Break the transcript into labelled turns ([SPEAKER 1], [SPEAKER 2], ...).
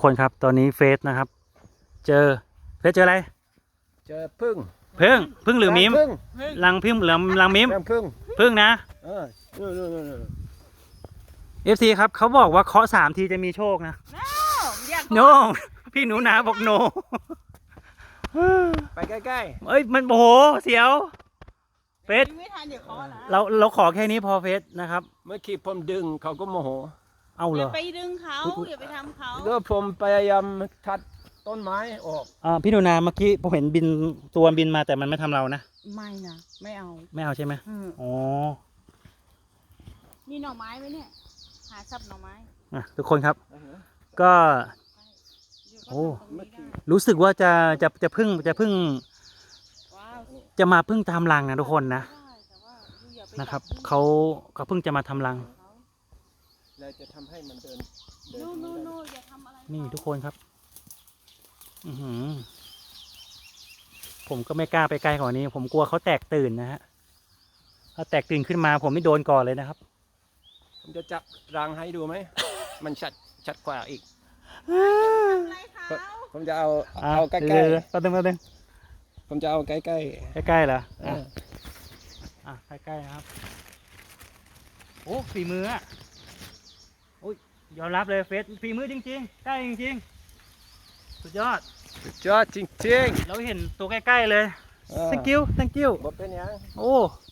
[SPEAKER 1] คนครับตอนนี้เฟสนะครับเจออะไร
[SPEAKER 2] เจอพึ่ง
[SPEAKER 1] พึ่งหรือมิม
[SPEAKER 2] พึ่ง
[SPEAKER 1] รังพึ่งหรือรังมิม
[SPEAKER 2] พึ่ง
[SPEAKER 1] นะFC ครับเขาบอกว่าเคาะ3 ทีจะมีโชคนะโนพี่หนูนาบอกโน
[SPEAKER 2] ไปใกล้
[SPEAKER 1] เอ้ยมันโอ้โหเสียวเฟส
[SPEAKER 3] ไม่ทันเดี๋ยวเคาะนะ
[SPEAKER 1] เราขอแค่นี้พอเฟสนะครับ
[SPEAKER 2] ๆเมื่อกี้ผมดึงเขาก็โมโห
[SPEAKER 1] เอาเหร
[SPEAKER 3] อย่า
[SPEAKER 1] อ
[SPEAKER 3] ไปดึงเขาอย่าไปทำเขา
[SPEAKER 2] แล้วผมพยายามทัดต้นไม้ออก
[SPEAKER 1] พี่หนูนาเมื่อกี้ผมเห็นบินตัวบินมาแต่มันไม่ทำเรานะ
[SPEAKER 3] ไม่นะไม่เอา
[SPEAKER 1] ไม่เอาใช่ไหมอ๋อ
[SPEAKER 3] มีหน่อไม้ไหมเนี่ยหาสับหน่อไม้
[SPEAKER 1] ทุกคนครับ ก็
[SPEAKER 3] เดี๋ยวก็
[SPEAKER 1] โอ้
[SPEAKER 3] ทำตรงนี้ได้
[SPEAKER 1] รู้สึกว่าจะพึ่ง
[SPEAKER 3] ว้าว
[SPEAKER 1] จะมาพึ่งตามรังนะทุกคนนะ
[SPEAKER 3] ได้แต่ว่าอย่าไป
[SPEAKER 1] นะครับ
[SPEAKER 3] จั
[SPEAKER 1] เขาเพิ่งจะมาทำรัง
[SPEAKER 2] เราจะทำให้มันเดิน
[SPEAKER 3] นู่นอย่าทำอะไร
[SPEAKER 1] นี่ทุกคนครับ ผมก็ไม่กล้าไปไกลกว่านี้ ผมกลัวเขาแตกตื่นนะฮะถ้าแตกตื่นขึ้นมาผมไม่โดนก่อนเลยนะครับ
[SPEAKER 2] ผมจะจับรังให้ดูไหม มันชัดกว่าอีก
[SPEAKER 3] อะไรเขา
[SPEAKER 2] ผมจะเอาใกล้
[SPEAKER 1] เดี๋ยวแป๊บนึง
[SPEAKER 2] ๆผมจะเอาใกล้
[SPEAKER 1] ใกล้ๆเหรอ
[SPEAKER 2] ๆ
[SPEAKER 1] ใกล้ๆนะครับ โอ้ฝีมืออ่ะโอ้ยยอมรับเลยเฟสฝีมือจริงๆใกล้จริงๆสุดยอด
[SPEAKER 2] สุดยอดจริง
[SPEAKER 1] เราเห็นตัวใกล้ๆเลย
[SPEAKER 2] ๆ
[SPEAKER 1] thank you
[SPEAKER 2] บ่เป็นหยัง
[SPEAKER 1] โอ้